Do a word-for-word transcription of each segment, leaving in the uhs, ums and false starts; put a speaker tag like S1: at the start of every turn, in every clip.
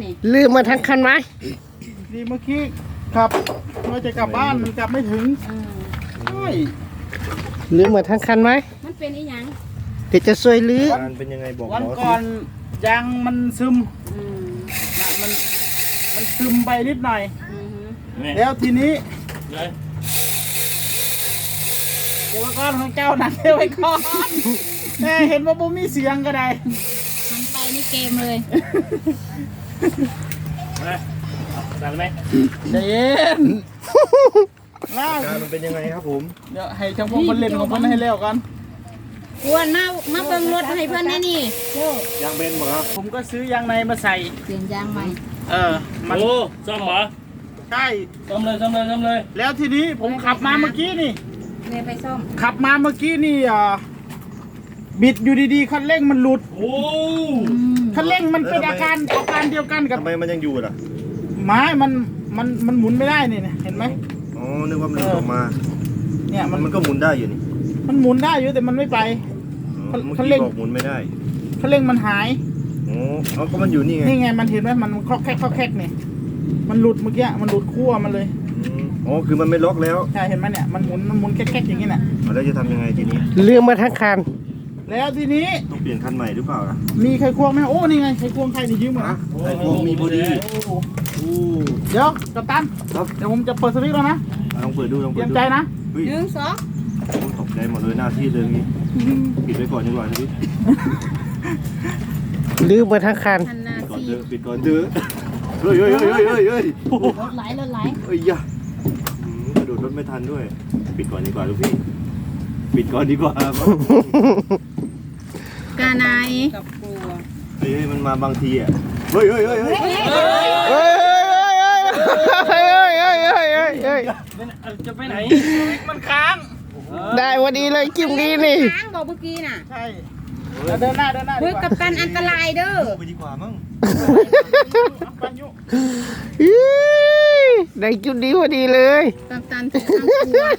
S1: ลืมมาทั้งคันไหม
S2: ดีเมื่อกี้ครับเราจะกลับบ้านกลับไม่ถึงใช่
S1: ลืมมาทั้งคันไหม
S3: มันเป็นอีหยัง
S1: เดี๋ยวจะช่วยลื้อ
S4: การเป็นยังไงบอก
S2: วันก่อนยางมันซึมนะมันมันซึมไปนิดหน่อยแล้วทีนี้เดี๋ยวก่อนของเจ้าหนักเดี๋ยวไว้ก่อนแม่เห็นว่าบุมีเสียงก็ได้
S3: หันไปนี่เกมเลย
S4: สั่นไหม
S2: ใจเย็นล่า
S4: การมันเป็นยังไงครับผม
S2: เดี๋ยวให้ช่างพงคนเล่นของคนให้เร็วกัน
S3: กวนมามาเบิ่งรถให้เพื่อนแน่นี่
S4: ยางเบนหมดครับ
S2: ผมก็ซื้อยางในมาใส่
S3: เปลี่ยนยางใหม่
S2: เออ
S4: โอ้ซ่อมเหรอ
S2: ใช่
S4: ซ่อมเลยซ่อมเลยซ่อมเลย
S2: แล้วทีนี้ผมขับมาเมื่อกี้นี่
S3: เลยไปซ่อม
S2: ขับมาเมื่อกี้นี่อ่าบิดอยู่ดีๆคันเร่งมันหลุด
S4: โอ้
S2: คันเร่งมันเป็นอาการอาการเดียวกันกับ
S4: ทำไมมันยังอยู่ล่ะ
S2: ไม้มันมันมันหมุนไม่ได้นี่เห็นไหม
S4: อ๋อนึกว่ามันหลุดออกมา
S2: เนี่ยมัน
S4: มันก็หมุนได้อยู่นี่
S2: มันหมุนได้อยู่แต่มันไม่ไป
S4: คันเร่งบอกหมุนไม่ได้
S2: คันเร่งมันหาย
S4: โอ้เขาก็มันอยู่นี่ไง
S2: นี่ไงมันเห็นไหมมันคลอกแคกคลอกแคกนี่มันหลุดเมื่อกี้มันหลุดขั้วมันเลย
S4: อ๋อคือมันไม่ล็อกแล้ว
S2: ใช่เห็นไหมเนี่ยมันหมุนมันหมุนแคกๆอย่างนี้น่ะ
S4: แล้วจะทำยังไงทีนี้
S1: ลืมมาทั้งคัน
S2: แล้วทีนี้
S4: ต้องเปลี่ยนคันใหม่หรือเปล่าล่ะ
S2: มีไขควงไหมโอ้นี่ไงไขควงใครนี่ยืมมา
S4: ไขควงมีพอดี
S2: เดี๋ยวกัปตันเดี๋ยวผมจะเปิดสวิตช์แล้วนะ
S4: ลองเปิดดูลองเปิดดู
S2: เตรียมใจนะ
S3: หนึ่งสอง
S4: ตกใจหมดเลยหน้าที่เรื่องนี้ปิดไว้ก่อนดีกว่าพี่
S1: ลืมมาทั้งคัน
S4: ปิดก่อนเถอะปิดก่อนเถอะเฮ้ยเฮ้ยเฮ้ยเฮ้ยเฮ้ย
S3: รถไหลรถไหล
S4: เฮ้ยยะกระโดดรถไม่ทันด้วยปิดก่อนดีกว่าลูกพี่ปิดก่อนดีกว่าก
S3: านาย
S2: กับกลัว
S4: เฮ้ยมันมาบางทีอ่ะเฮ้ยเฮ้ยเฮ้ยเฮ้ยเฮ้ย
S1: เฮ้ยเฮ้ยเฮ้ยเฮ้ยเฮ้ยเฮ้ย
S4: จะไปไหน
S2: มันค้าง
S1: ได้วันนี้เลยจิ้มนี้นี่
S3: ค้างบอกเมื่อกี้น่ะ
S2: ใช่เดินหน้าเดินหน้า
S3: เฮ้ยกัปตันอันตรายเด้อ
S4: ไปดีกว่ามั้ง
S1: ได้จุดดีพอดีเลย
S3: กัปตันถึงข้างกลัว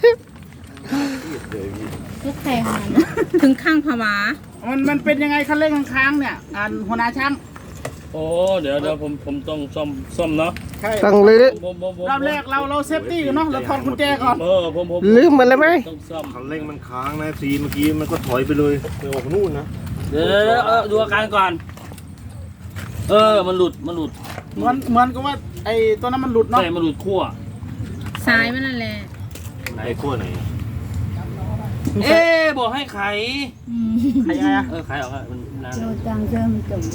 S3: ลูกแข่งถึงข้างผวา
S2: มันมันเป็นยังไงคันเร่งค้างเนี่ยอ่านหัวหน้าช่าง
S4: โอ้เดี๋ยวเดี๋ยวผมผมต้องซ่อมซ่อมเนาะ
S1: ต้องลื้อ
S2: รอบแรกเราเราเซฟตี้กันเนาะเราถอดกุญแจก่อน
S4: เออผมผม
S1: ลืมมันเลยไหม
S4: ต้องซ่อมคันเร่งมันค้างนะซีเมื่อกี้มันก็ถอยไปเลยไปออกนู่นนะเดี๋ยวเดี๋ยวดูอาการก่อนเออมันหลุดมันหลุด
S2: เหมือนเหมือนกับว่าไอ้ตัวนั้นมันหลุดเนาะ
S4: ใช่มันหลุดขั้ว
S3: ซ้ายมันนั่นแหละ
S4: ไหนขั้วไหนเอ๊บอกให้ไข
S2: ไขยังไงอะ
S4: เออไขออกอะมันนาน
S3: โดนจังเริ่มจม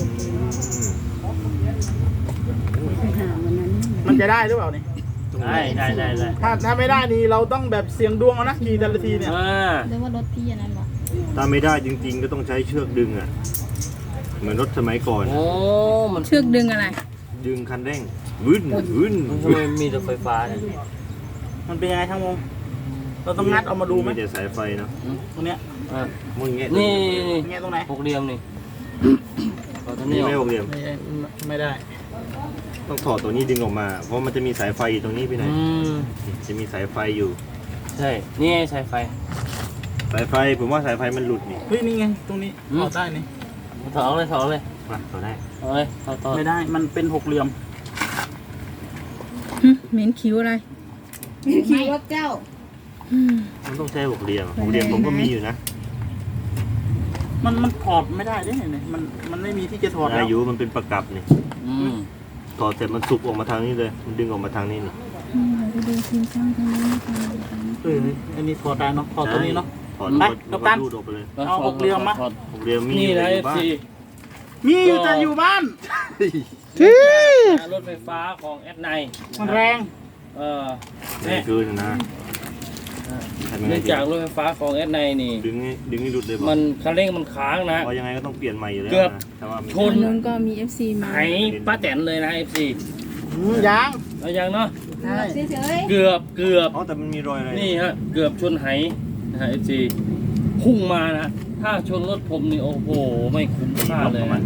S2: มันจะได้หรือเปล่านี่
S4: ได้ได้ได้ได้
S2: ถ้าถ้าไม่ได้นี่เราต้องแบบเสี่ยงดวงเอานะขี่แต่ละทีเนี่ย
S3: เรียกว่ารถพี่อันนั้นหรอ
S4: ถ้าไม่ได้จริงๆก็ต้องใช้เชือกดึงอ่ะเหมือนรถสมัยก่อน
S3: โอ้มันเชือกดึงอะไร
S4: ดึงคันเร่งวื้นวื้นทำไมมีแต่ไฟฟ้าเนี่ย
S2: มันเป็นยังไงทั้งวงเราต้องงัดเอามาดูไหม
S4: ไม่ได้สายไฟเนาะ
S2: ตรงเนี้ย
S4: มึงเงี้ย
S3: นี่
S2: เงี้ยตรงไหน
S4: หกเหลี่ยมนี่นี่ไม่หกเหลี่ยม
S2: ไม่ได้
S4: ต้องถอดตัวนี้ดึงออกมาเพราะมันจะมีสายไฟอยู่ตรงนี้ไปไหนจะมีสายไฟอยู่ใช่นี่สายไฟสายไฟผมว่าสายไฟมันหลุดนี่
S2: เฮ้ยนี่ไงตรงนี้ถอดได้นี่
S4: ถอดเลยถอดเลยมาถอดได้ถอดเลยถอด
S2: ไม่ได้มันเป็นหกเหลี่ยม
S3: เหม็นคิ้วอะไรเหม็นคิ้วว่าเจ้า
S4: มันต้องใช้หกเหลี่ยมหกเหลี่ยมผมก็มีอยู่นะ
S2: มันมันถอดไม่ได้ด้วยเนี่ยมันมันไม่มีที่จะถอด
S4: อายุมันเป็นประกับนี่ถอดเสร็จมันสุกออกมาทางนี้เลยมันดึงออกมาทางนี้นี่
S2: เอออันนี้ถอดได้เนาะถอดตัวนี้เนาะ
S4: ถอดไปกับตัน
S2: เอาหกเหลี่ยมมา
S4: หกเหลี่ยมมี
S2: นะเอฟซีมีอยู่แต่อยู่บ้าน
S4: รถไฟฟ้าของแอดไน
S2: มันแรง
S4: เออแรงเกินนะเนื่องจากรถไฟฟ้าของแอดไนนี่ดึงดึงให้หลุดเลยมันคันเร่งมันค้างนะยังไงก็ต้องเปลี่ยนใหม่อยู่แล้วเกือบ
S3: ชนนึงก็มี เอฟ ซี มา
S4: ไห้ป้าแตนเลยนะ เอฟ ซี
S2: ยัง
S4: เอายังเนาะ
S3: เ
S4: กือบเกือบอ๋อแต่มันมีรอยอะไรนี่ฮะเกือบชนไหนะฮะ เอฟ ซี พุ่งมานะถ้าชนรถผมนี่โอ้โหไม่คุ้มค่าเลยนะ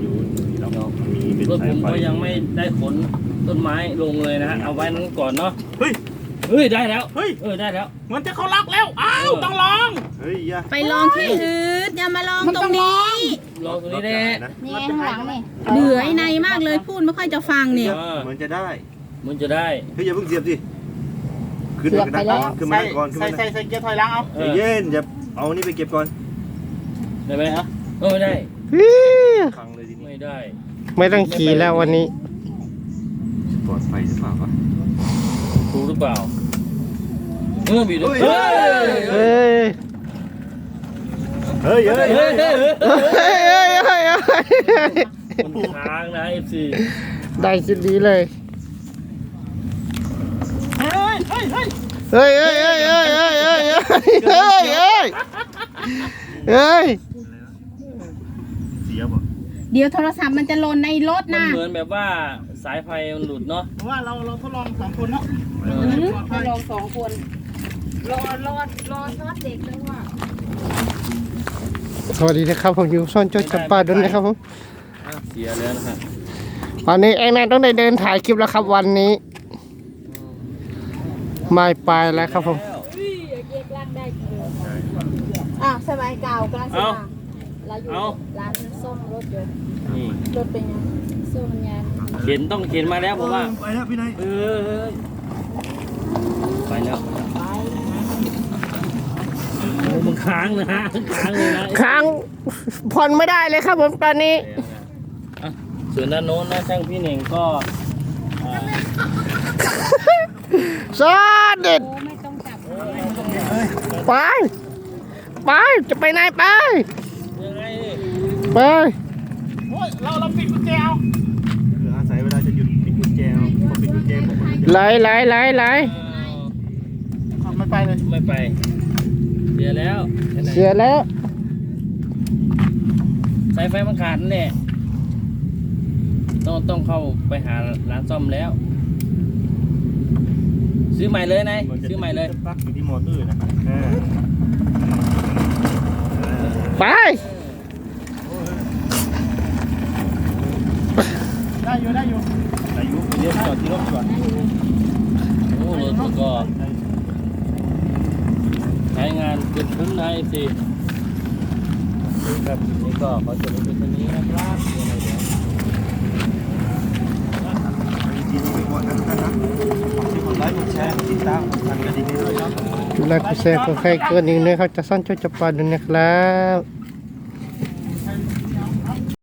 S4: รถผมก็ยังไม่ได้ขนต้นไม้ลงเลยนะฮะเอาไว้นั้นก่อนเนาะเฮ้ย
S5: เฮ้ยได้แล้ว
S2: เฮ้ย
S5: เออได้แล้ว
S2: เหมือนจะเขาล็อกแล้วอ้าวต้องลอง
S4: เฮ้ยอย่า
S3: ไปลองที่อื่นอย่ามาลองตรงนี้
S5: ลองตัวนี้แน่
S3: นี่ข้างหลังนี่เหนื่อยในมากเลยพูดไม่ค่อยจะฟังเนี่ย
S4: เหมือนจะได้
S5: มันจะได้
S4: เฮ้ยอย่าเพิ่งเสียบสิขึ้นไปก่อนขึ้นมา
S2: ใส่
S4: ก่อนขึ้น
S2: ใส่
S4: มา
S2: ใส่ใส่เกียร์ถอยหลังเอา
S5: เอ
S4: ใจ
S5: อ
S4: เย็นอย่าเอานี่ไปเก็บก่อน
S5: ได้ไหมฮะเออได้
S1: ฮิ้ว
S4: พังเลยทีนี้
S5: ไม่ได้
S1: ไม่ต้องขี่แล้ววันนี้
S4: ปลอดภัยหรือเปล่าวะ
S5: ถูกหรือเปล่าเออบีด
S4: เฮ้ย
S5: เฮ้ย
S1: เฮ้ย
S4: เฮ้ยเฮ้ย
S5: เฮ้ยเฮ้ยเฮ้ย
S1: เฮ้ยเฮ้ยเฮ้ยเฮ้ย
S5: มันค้างนะเอฟซี
S1: ได้ชิ้นดีเลย
S2: เฮ้ยเฮ้ยเฮ้ย
S1: เฮ้ยเฮ้ยเฮ้ยเฮ้ยเฮ้ยเฮ้ยเฮ้ยเฮ้ยเฮ้ย
S4: เสียบ่
S3: เดี๋ยวโทรศัพท์มันจะหล่นในรถ
S5: มัน
S3: นะ
S5: เหมือนแบบว่าสายไฟมันหลุดเนาะ
S2: เพราะว่าเราเราทดลองสองคนเนาะ
S3: มาลองสองคนรอรอรอทอดเด็กเลยว่า
S1: สวัสดีนะครับผมอยู่ซ่อนโจ้จับปลาด้วยนะครับผม
S5: อ่ะเสียแล้วนะฮะ
S1: วันนี้ไอ้แม่ต้องได้เดินถ่ายคลิปแล้วครับวันนี้ไม่ไปแล้วครับผม
S3: อ่ะสบายเก่ากำลังสบายเราอยู่ร้านซ่อมรถยนต์
S5: นี่
S3: รถเป็นยังซ่อมมันยาน
S5: เข็นต้องเข็นมาแล้วผมว่า
S4: ไปแล้วพี่นาย
S5: เออเออไปแล้วโอ้มันค้างนะฮะค้างเลยนะ
S1: ค้างผ่อนไม่ได้เลยครับผมตอนนี้
S5: อ่ะส่วนด้านโน้นนะช่างพี่เน่งก็อ่า
S1: ซอสเด็ด
S3: โอ้ไม่ต้องจับ
S1: ไปไปจะไปไหนไป
S5: ยังไงนี่
S1: ไป
S2: โอ้ยเราเราปิดกุญแจเอา
S4: คืออาศัยเวลาจะหยุดปิดกุญแจเอาพอปิดกุญแจผมก็จะ
S1: ไหลไหลไหลไหล
S5: อ้าว
S2: ไม่ไปเลย
S5: ไม่ไปเสียแล้ว
S1: เสียแล้ว
S5: สายไฟมันขาดนั่นแหละต้องต้องเข้าไปหาร้านซ่อมแล้ว ซื้อใหม่เลยนายซื้อใหม่เลย
S4: ปลั๊กอยู่ที่มอเตอร์นะอ่า
S1: ไป
S2: ได้อยู่ได้อยู่
S4: อายุ
S5: เรียกจอดที่รถก่อนโอ้รถมันก็ใช้งานเกินคุ้มนะไอซีครับนี่ก็ขอจบเป็นตัวนี้นะครับยังไงเดี๋ยว
S4: จริงๆไม่ควรนะทุกท่านนะที่กดไลค์กดแชร์กดติดตามกดสั่นกระดิ่งให้ด้วยครับ
S1: จุดไลค์กดแชร์กดใครเกินหนึ่งนะครับจะซ่อนโจ้จับปลาด้วยนะครับ